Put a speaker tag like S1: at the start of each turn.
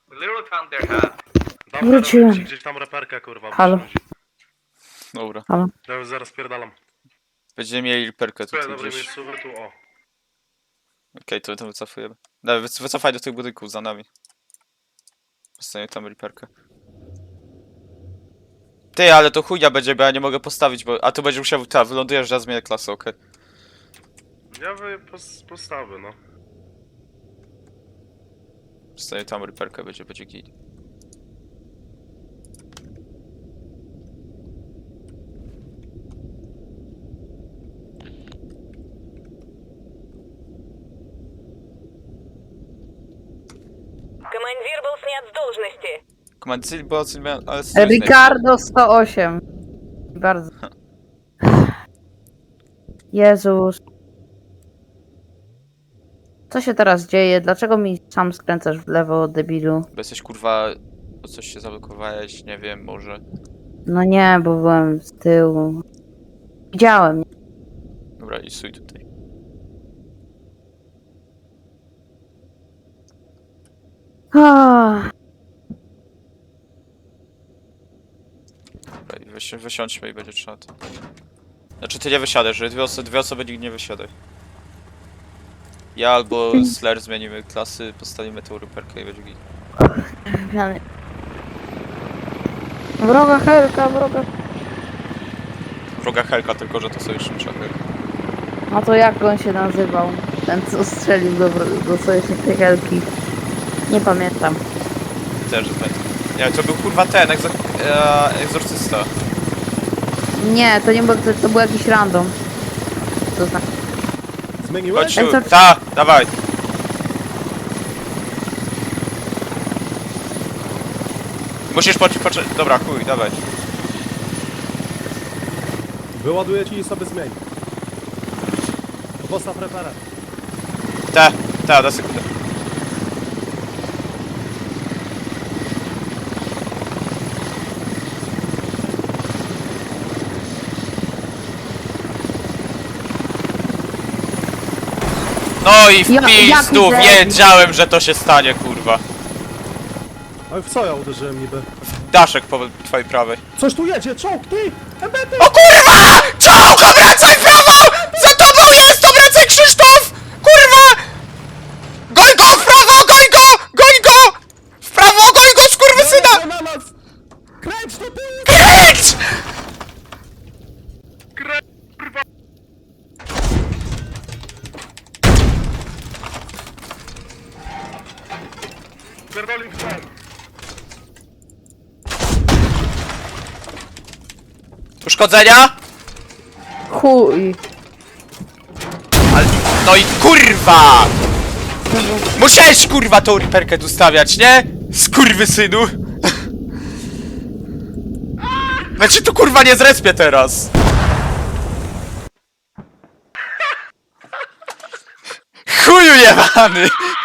S1: Literally found their hat.
S2: Dobra,
S3: Wróciłem.
S2: robię ci gdzieś tam reperkę, kurwa.
S3: Halo.
S2: muszę chodzić.
S4: Dobra.
S2: Ja już zaraz pierdalam.
S4: Będziemy mieli riperkę
S2: Słuchaj,
S4: tutaj
S2: dobry
S4: gdzieś.
S2: miejscowy, tu o.
S4: Okej, to wycofujemy. Dawaj, wycofaj do tych budynków za nami. Zostanie tam riperkę. Ty, ale to chujnia będzie, bo ja nie mogę postawić, bo... A tu będzie musiał... Ta, wylądujesz, ja zmienię klasę, okej.
S2: Ja postawię, no.
S4: Zostanie tam riperkę, będzie git.
S5: Командир был снят с должности.
S4: Komandycy była zmiana, ale...
S3: Ricardo 108. Bardzo. Jezus. Co się teraz dzieje? Dlaczego mi sam skręcasz w lewo, debilu?
S4: Bo jesteś kurwa... O coś się zablokowałeś, nie wiem, może...
S3: No nie, bo byłem z tyłu. Widziałem.
S4: Dobra, i stój tutaj.
S3: Ah,
S4: Dobra, i wysiądźmy i będzie trzeba to... Znaczy ty nie wysiadasz, że dwie osoby nikt nie wysiadaj. Ja albo Slayer zmienimy klasy, postawimy tą ryperkę i będzie git.
S3: Zmiany. Wroga Helka, wroga.
S4: Wroga Helka, tylko że to sojusznicza Helka.
S3: A to jak on się nazywał? Ten co strzelił do sojuszniczej Helki. Nie pamiętam.
S4: Też, że pamiętam. Nie, to był kurwa ten, egzorcysta.
S3: Nie, to nie był, to był jakiś random. To znaczy.
S2: Zmieniłeś?
S4: Chodź tu,
S3: Egzorcy-
S4: ta, dawaj. Musisz poczekać, dobra, chuj, dawaj.
S2: Wyładuję ci i sobie zmień. Postaw reperę.
S4: Ta, da sekundę. No i w
S3: Ja-
S4: pizdu,
S3: jak
S4: wiedziałem, że to się stanie, kurwa.
S2: Ale w co ja uderzyłem niby?
S4: Daszek po twojej prawej.
S2: Coś tu jedzie, czołg, ty! Ebety!
S4: O kurwa! Czołg, obracaj w prawo! Za tobą jest, obracaj Krzysztof! Kurwa! Goń go, w prawo, goń go! Goń go! W prawo, goń go, skurwysyna!
S2: Na nas! Kręć to ty!
S4: Kręć!
S2: Kurwa! Pierdoli w ten!
S4: Uszkodzenia?
S3: Chuj.
S4: Ale, no i kurwa! Musiałeś kurwa tą riperkę tu stawiać, nie? Skurwysynu! Znaczy tu kurwa nie zrespię teraz! Chuju jebany!